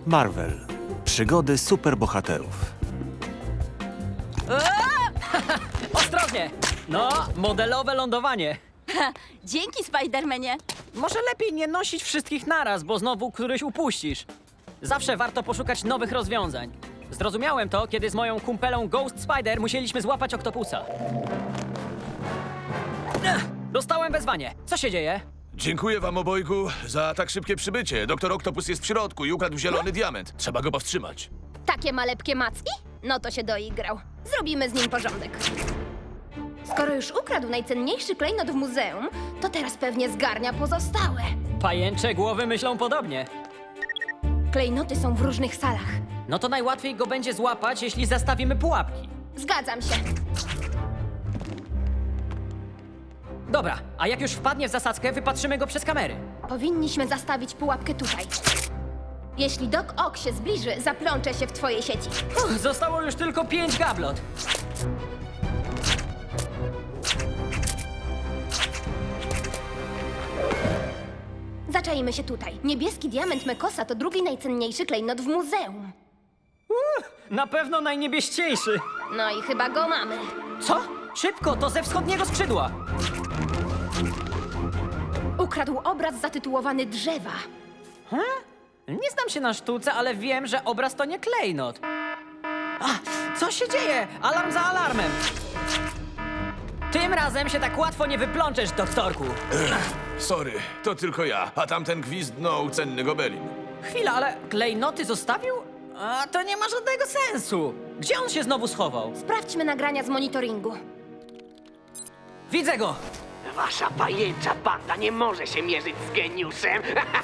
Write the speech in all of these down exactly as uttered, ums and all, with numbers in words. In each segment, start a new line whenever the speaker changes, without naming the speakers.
Marvel. Przygody superbohaterów.
Ostrożnie! No, modelowe lądowanie.
Dzięki, Spidermanie.
Może lepiej nie nosić wszystkich naraz, bo znowu któryś upuścisz. Zawsze warto poszukać nowych rozwiązań. Zrozumiałem to, kiedy z moją kumpelą Ghost Spider musieliśmy złapać oktopusa. Ech, dostałem wezwanie. Co się dzieje?
Dziękuję wam obojgu za tak szybkie przybycie. Doktor Oktopus jest w środku i ukradł zielony diament. Trzeba go powstrzymać.
Takie malepkie macki? No to się doigrał. Zrobimy z nim porządek. Skoro już ukradł najcenniejszy klejnot w muzeum, to teraz pewnie zgarnia pozostałe.
Pajęcze głowy myślą podobnie.
Klejnoty są w różnych salach.
No to najłatwiej go będzie złapać, jeśli zastawimy pułapki.
Zgadzam się.
Dobra, a jak już wpadnie w zasadzkę, wypatrzymy go przez kamery.
Powinniśmy zastawić pułapkę tutaj. Jeśli Doc Ock się zbliży, zaplączę się w twojej sieci.
Uff, zostało już tylko pięć gablot.
Zaczajmy się tutaj. Niebieski diament Mekosa to drugi najcenniejszy klejnot w muzeum.
Na pewno najniebieściejszy.
No i chyba go mamy.
Co? Szybko, to ze wschodniego skrzydła.
Ukradł obraz zatytułowany Drzewa.
Nie znam się na sztuce, ale wiem, że obraz to nie klejnot. A, co się dzieje? Alarm za alarmem. Tym razem się tak łatwo nie wyplączesz, doktorku.
Sorry, to tylko ja, a tamten gwizdnął cenny gobelin.
Chwila, ale klejnoty zostawił? A to nie ma żadnego sensu. Gdzie on się znowu schował?
Sprawdźmy nagrania z monitoringu.
Widzę go.
Wasza pajęcza banda nie może się mierzyć z geniuszem.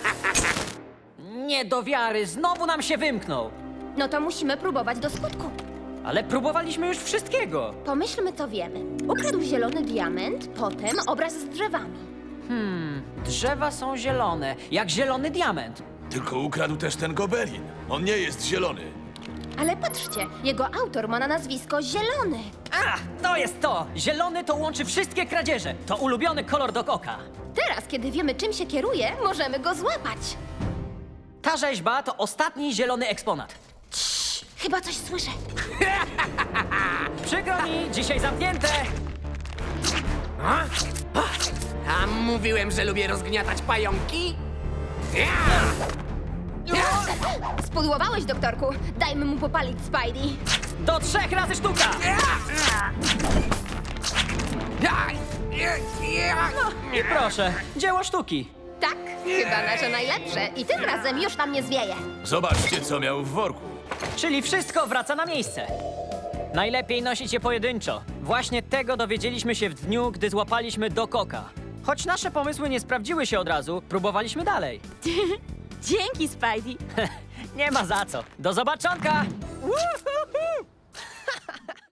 Nie do wiary, znowu nam się wymknął.
No to musimy próbować do skutku.
Ale próbowaliśmy już wszystkiego.
Pomyślmy, co wiemy. Ukradł zielony diament, potem obraz z drzewami.
Drzewa są zielone, jak zielony diament.
Tylko ukradł też ten gobelin. On nie jest zielony.
Ale patrzcie, jego autor ma na nazwisko Zielony.
A, to jest to! Zielony to łączy wszystkie kradzieże. To ulubiony kolor Doc Ocka.
Teraz, kiedy wiemy, czym się kieruje, możemy go złapać.
Ta rzeźba to ostatni zielony eksponat.
Chyba coś słyszę.
Przykro mi, dzisiaj zamknięte.
A mówiłem, że lubię rozgniatać pająki?
Spudłowałeś, doktorku. Dajmy mu popalić, Spidey.
Do trzech razy sztuka! I proszę, dzieło sztuki.
Tak, chyba nasze najlepsze. I tym razem już nam nie zwieje.
Zobaczcie, co miał w worku.
Czyli wszystko wraca na miejsce. Najlepiej nosić je pojedynczo. Właśnie tego dowiedzieliśmy się w dniu, gdy złapaliśmy Doc Ocka. Choć nasze pomysły nie sprawdziły się od razu, próbowaliśmy dalej.
Dzięki, Spidey.
Nie ma za co. Do zobaczonka! Woohoo!